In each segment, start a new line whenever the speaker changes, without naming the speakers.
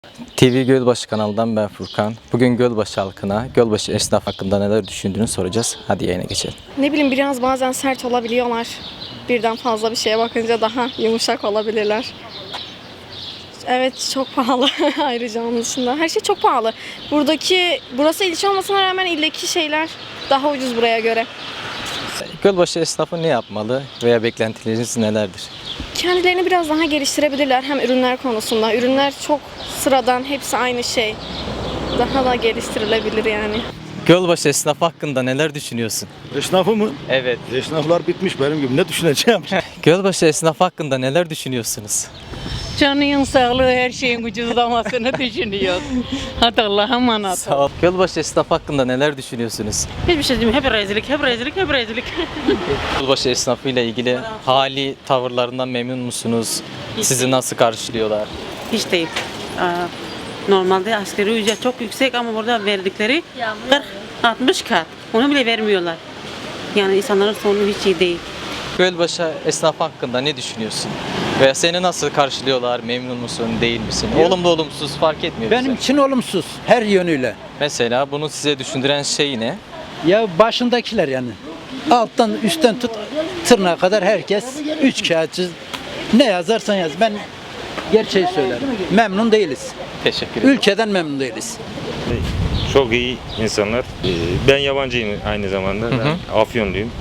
TV Gölbaşı kanalından ben Furkan. Bugün Gölbaşı halkına, Gölbaşı esnaf hakkında neler düşündüğünü soracağız. Hadi yayına geçelim.
Ne bileyim biraz bazen sert olabiliyorlar. Birden fazla bir şeye bakınca daha yumuşak olabilirler. Evet çok pahalı ayrıca onun dışında. Her şey çok pahalı. Burası ilçe olmasına rağmen ildeki şeyler daha ucuz buraya göre.
Gölbaşı esnafı ne yapmalı veya beklentileriniz nelerdir?
Kendilerini biraz daha geliştirebilirler hem ürünler konusunda. Ürünler çok sıradan, hepsi aynı şey. Daha da geliştirilebilir yani.
Gölbaşı esnafı hakkında neler düşünüyorsun?
Esnafı mı?
Evet.
Esnaflar bitmiş benim gibi. Ne düşüneceğim?
Gölbaşı esnafı hakkında neler düşünüyorsunuz?
Canının sağlığı her şeyin ucuzlamasını düşünüyoruz. Hadi Allah'a emanet.
Sağ ol. Gölbaşı esnafı hakkında neler düşünüyorsunuz?
Hiçbir şey demiyorum. Hep rezillik, hep rezillik, hep rezillik.
Gölbaşı esnafı ile ilgili hali, tavırlarından memnun musunuz? Sizi nasıl karşılıyorlar?
Hiç değil. Normalde asgari ücret çok yüksek ama burada verdikleri 40-60 kat. Onu bile vermiyorlar. Yani insanların sonu hiç iyi değil.
Gölbaşı esnafı hakkında ne düşünüyorsun? Veya seni nasıl karşılıyorlar? Memnun musun, değil misin? Olumlu olumsuz fark etmiyor
Benim
bize.
için olumsuz her yönüyle.
Mesela bunu size düşündüren şey ne?
Ya başındakiler yani. Alttan üstten tut tırnağa kadar herkes üç kağıtçı. Ne yazarsan yaz. Ben gerçeği söylerim. Memnun değiliz.
Teşekkür ederim.
Ülkeden memnun değiliz.
Çok iyi insanlar. Ben yabancıyım aynı zamanda. Ben Afyonluyum.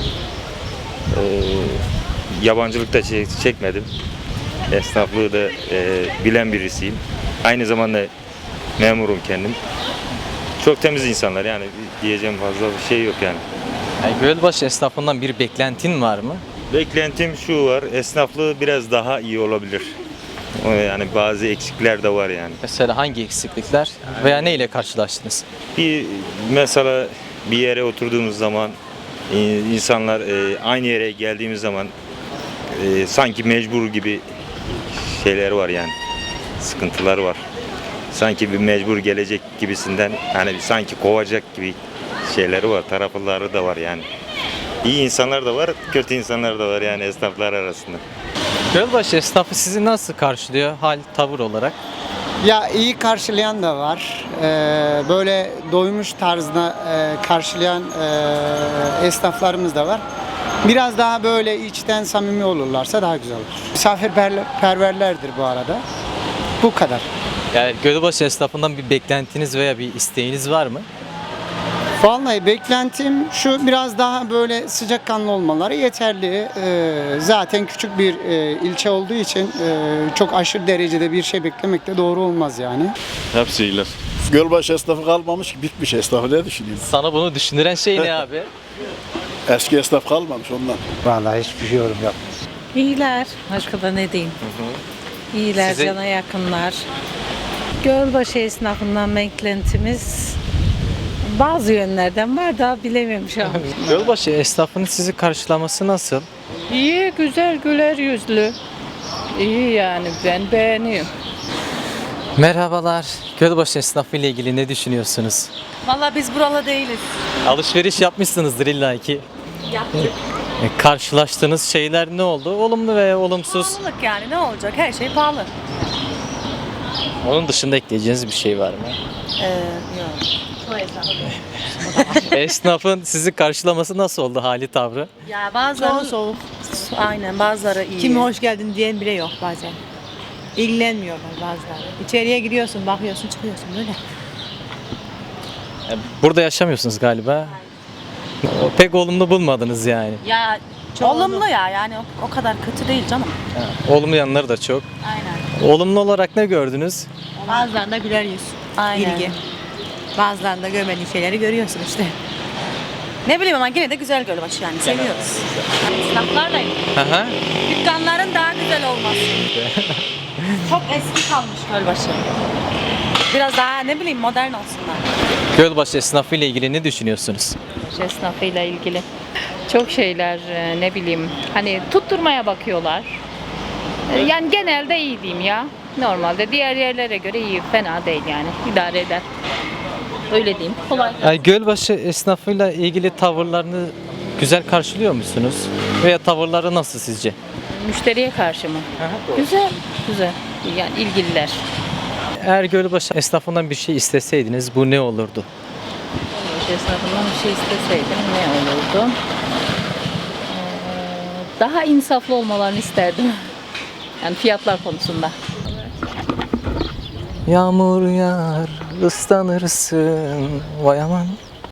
Yabancılık da çekmedim. Esnaflığı da bilen birisiyim. Aynı zamanda memurum kendim. Çok temiz insanlar yani diyeceğim fazla bir şey yok yani.
Yani Gölbaşı esnafından bir beklentin var mı?
Beklentim şu var, esnaflığı biraz daha iyi olabilir. Yani bazı eksikler de var yani.
Mesela hangi eksiklikler veya ne ile karşılaştınız?
Mesela bir yere oturduğumuz zaman insanlar aynı yere geldiğimiz zaman sanki mecbur gibi şeyler var yani. Sıkıntılar var. Sanki bir mecbur gelecek gibisinden hani sanki kovacak gibi şeyleri var. Tarafları da var yani. İyi insanlar da var, kötü insanlar da var yani esnaflar arasında.
Gölbaşı esnafı sizi nasıl karşılıyor hal, tavır olarak?
Ya iyi karşılayan da var. Böyle doymuş tarzda karşılayan esnaflarımız da var. Biraz daha böyle içten samimi olurlarsa daha güzel olur. Misafirperverlerdir bu arada. Bu kadar.
Yani Gölbaşı esnafından bir beklentiniz veya bir isteğiniz var mı?
Vallahi beklentim şu, biraz daha böyle sıcakkanlı olmaları yeterli. Zaten küçük bir ilçe olduğu için çok aşırı derecede bir şey beklemek de doğru olmaz yani.
Hepsi iyiler. Gölbaşı esnafı kalmamış ki, bitmiş esnafı, ne düşünüyorsun?
Sana bunu düşündüren şey ne abi?
Eski esnaf kalmamış ondan.
Vallahi hiçbir şey yorum yok.
İyiler. Başka da ne diyeyim? İyiler,
Size-
cana yakınlar. Gölbaşı esnafından beklentimiz bazı yönlerden var da bilemiyorum şu an.
Gölbaşı esnafının sizi karşılaması nasıl?
İyi, güzel, güler yüzlü. İyi yani ben beğeniyorum.
Merhabalar. Gölbaşı esnafı ile ilgili ne düşünüyorsunuz?
Vallahi biz buralı değiliz.
Alışveriş yapmışsınızdır illaki.
Yaptık.
Karşılaştığınız şeyler ne oldu? Olumlu veya olumsuz?
Pahalılık yani ne olacak? Her şey pahalı.
Onun dışında ekleyeceğiniz bir şey var mı?
Yok.
Esnafın sizi karşılaması nasıl oldu, hali tavrı?
Ya bazıları soğuk. Aynen bazıları iyi.
Kimi hoş geldin diyen bile yok bazen. İlgilenmiyorlar bazıları. İçeriye giriyorsun, bakıyorsun, çıkıyorsun böyle.
Burada yaşamıyorsunuz galiba. Pek olumlu bulmadınız yani.
Ya olumlu ya yani o kadar kötü değil canım.
Olumlu yanları da çok.
Aynen.
Olumlu olarak ne gördünüz?
Bazılarında güler yüz,
Aynen.
ilgi. Bazılarında görmediğin şeyleri görüyorsun işte.
Ne bileyim ama yine de güzel Gölbaşı yani seviyoruz. Esnaflarlayım.
Aha.
Dükkanların daha güzel olması. Çok eski kalmış Gölbaşı. Biraz daha ne bileyim modern olsunlar.
Gölbaşı esnafı ile ilgili ne düşünüyorsunuz?
Esnafıyla ilgili çok şeyler ne bileyim hani tutturmaya bakıyorlar. Yani genelde iyi diyeyim ya. Normalde diğer yerlere göre iyi, fena değil yani. İdare eder. Öyle diyeyim. Kolay.
Yani Gölbaşı esnafıyla ilgili tavırlarını güzel karşılıyor musunuz? Veya tavırları nasıl sizce?
Müşteriye karşı mı? Güzel, güzel. Yani ilgililer.
Eğer Gölbaşı esnafından bir şey isteseydiniz bu ne olurdu?
Esnafından bir şey isteseydim ne olurdu? Daha insaflı olmalarını isterdim. Yani fiyatlar konusunda.
Yağmur yağar, ıslanırsın, vay aman.